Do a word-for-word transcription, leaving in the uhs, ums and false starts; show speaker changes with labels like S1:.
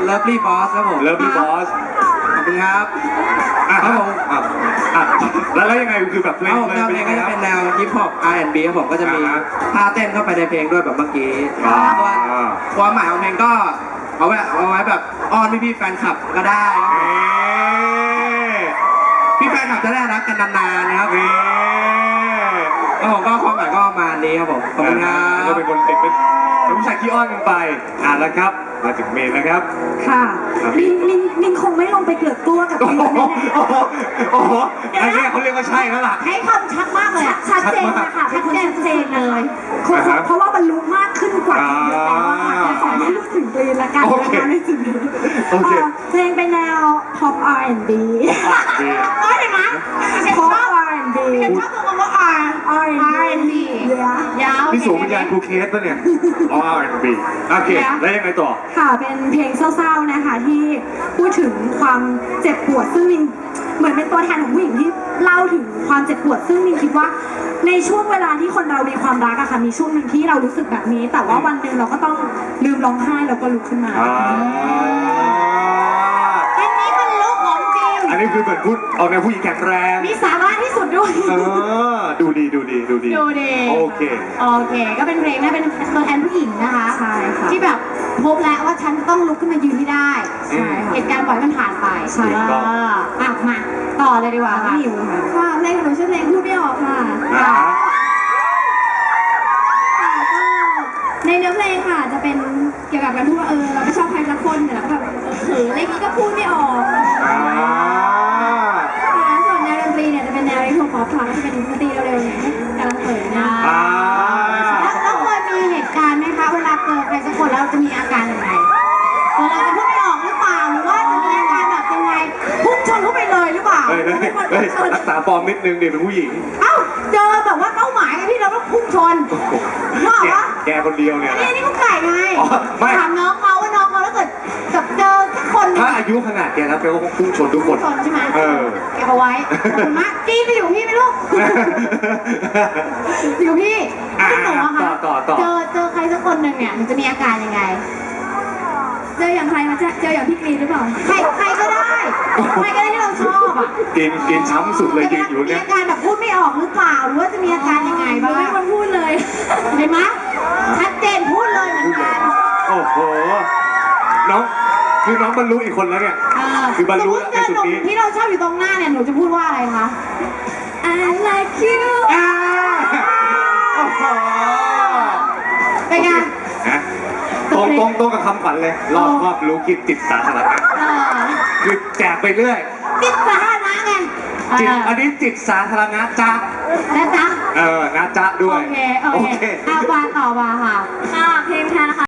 S1: Lovely Boss ครับผม
S2: Lovely Boss
S1: ขอบคุณครับ
S2: อ่ะ
S1: ครับผม
S2: อ่ะอ่ะแล้วแล้วยังไงคือแบบเพล
S1: แน
S2: ง
S1: วแนวเพลงก็จะเป็นแนวฮิปฮอป อาร์ แอนด์ บี ครับผมก็จะมี
S2: อ่าฮะ
S1: ท่าเต้นเข้าไปในเพลงด้วยแบบเมื่อกี้
S2: อ่า
S1: ส่วนความหมายของเพลงก็เอาไว้เอาไว้แบบอ้อนพี่ๆแฟนคลับก็ได้ครับผม พี่แฟนคลับจะได้รักกันนานๆนะครับ
S2: นี่
S1: แล้วผมก็ความหมายก็ประมาณนี้ครับผมขอบคุณครั
S2: ก็
S1: บ
S2: เป็นคนเด็กเป็นผู้ชายขี้อ้อนกันไปอ่ะแล้วครับมาถึงเมนนะครับ
S3: ค่ะ
S2: ครับ
S3: มินมินมินคงไม่ลงไปเกลือกกลัวกับ
S2: โอ้
S3: พี่
S2: โห
S3: แน่
S2: โอ้โหโอ้โหอันนี้เขาเรียกว่าใช่แล้วล่ะ
S3: ๆให้คำชัดมากเลยอะชัดเจนนะคะเป็นคนชัดเจนเลยเพราะ
S2: อ่าฮะ
S3: เพราะว่ามันรู้มากขึ้นกว่าที่แล้วอะค่ะแต่ขอไม่รู้ถึงกรีนละกัน
S2: โอ
S3: นะ
S2: เค
S3: คะในจุดนี้
S2: โอเค
S3: เอ่อเพลงเป็นแนว pop อาร์ แอนด์ บี
S2: ดี
S3: เอ้ยเห็นไหม pop อาร์ แอนด์ บี
S4: ฉันชอบคำว่า R
S3: R and B
S4: ยาว
S2: นี่สูงวิญญาณครูเคสป่ะเนี่ยอ๋อ อาร์ แอนด์ บี โอเคแล้วยังไงต่อ
S3: ค่ะเป็นเพลงเศร้าๆนะคะที่พูดถึงความเจ็บปวดซึ่งมินเหมือนเป็นตัวแทนของผู้หญิงที่เล่าถึงความเจ็บปวดซึ่งมินคิดว่าในช่วงเวลาที่คนเรามีความรักอะค่ะมีช่วงหนึ่งที่เรารู้สึกแบบนี้ แต่ว่าวันหนึ่งเราก็ต้องลืมร้องไห้แล้วก็ลุกขึ้นมา
S2: อ่า
S4: อันนี้มันลุกของจริง
S2: อันนี้คือเหมือนพูดเอาแนวผู้หญิงแข็งแรง
S4: มีสาระที่สุดด้วย
S2: เออ ดูดีดูดีดูดี
S4: ดูดี
S2: โอเค
S4: โอเค ก็เป็นเพลงนะเป็นตัวแทนผู้หญิงนะคะ
S3: ใช่ค่ะ
S4: ที่แบบพบแล้วว่าฉันต้องลุกขึ้นมายืนให้ได้
S2: ใช่ค่ะ
S4: เหตุการณ์ปล่อยมันผ่านไป
S2: ใช่
S4: เอออ่ะมาต่อเลยดีกว่าค่ะ
S3: พี่หิวค่ะ
S4: ค่ะเพลงของหนูชื่อเพลงพูดไม่ออกค่ะ
S2: อ่า
S4: ค่ะก็ในเนื้อเพลงค่ะจะเป็นเกี่ยวกับการพูดว่าเออเราไม่ชอบใครสักคนแต่เราก็แบบเออเขินอะไรอย่างงี้ก็พูดไม่ออก
S2: อ่า
S4: ค่ะส่วนแนวดนตรีเนี่ยจะเป็นแนวอินโทรป๊อปค่ะก็จะเป็นดนตรีเร็วๆเนี่ยกำลังเขินนะ
S2: อ่า
S4: แล้วแล้วเคยมีเหตุการณ์ไหมคะเวลาเจอใครสักคนแล้วจะมีอาการยังไงเออเราจะพูดไม่ออกหรือเปล่าหรือว่าจะมีอาการแบบยังไงพุ่งชนเข้าไปเลยหรือเปล่า
S2: เฮ้ยเฮ้ย
S4: เป็นคน
S2: เฮ้ย
S4: พุ่งชน
S2: รักษาฟอร์มนิดนึงเดี๋ยวเป็นผู้หญิง
S4: เอ้าเจอแบบว่าเป้าหมายไงพี่เราต้องพุ่งชนว่า
S2: แก
S4: วะ
S2: แกคนเดียวเนี่ย
S4: นี่
S2: นะ
S4: นี่กุ๊กไก่ไง
S2: อ๋อไม่
S4: ถามน้องเขาว่าน้องเขาถ้าเกิดกับเจอสักคนหนึง
S2: ถ้าอายุขนาดแกแล้วแกก็คงพุ่งชนทุกค
S4: พุ่ง
S2: น
S4: ชนใช่ไหม
S2: เออ
S4: เก็บเอาไว้ขอบคุณมากจีนไปอยู่พี่ไหมลูกอยู่พี่
S2: อ่ะ
S4: พี่หนูอะคะ
S2: ต่อต่อต่อ
S4: เจอเจอใครสักคนหนึ่งเนี่ยหนูจะมีอาการยังไง เจออย่างใครมาเจอเจออย่างพี่กรีนหรือเปล่าใครใครก็ได้ใครก็ได้ที่เราชอบอ่ะ
S2: กินกินช้ำสุดเลยยืนอยู่
S4: มี
S2: เนี่ย
S4: อาการแบบพูดไม่ออกหรือเปล่าหรือว่าจะมีอาการยังไงบ้างไม่ควรพูดเลยเห็นไหมชัดเจนพูดเลยเหมือนกัน
S2: โอ้โห น้อง คือน้องบรรลุอีกคนแล้วเนี่ย คือบรรลุ
S4: สมมุติเจอหนุ่ม
S2: ในจุดนี้
S4: ที่เราชอบอยู่ตรงหน้าเนี่ยหนูจะพูดว่าอะไรคะ I like you
S2: อ่าโอ้โห
S4: เป็นไง
S2: ฮะตรงตรงตรงกับคำขวัญเลย รอบครอบรู้คิดติดสาธารณะ
S4: เออ
S2: คือแจกไปเรื่อย
S4: ติดสาธารณะไง
S2: จิต
S4: เอ
S2: อั
S4: อน
S2: นี้จิตสาธารณะจ้า
S4: นะจ๊ะ
S2: เออนะจ๊ะด้
S4: โอ
S2: วย
S4: เคโอเคเอาวางต่อมาค่ะ
S3: ค่ะเพลงแทนนะคะ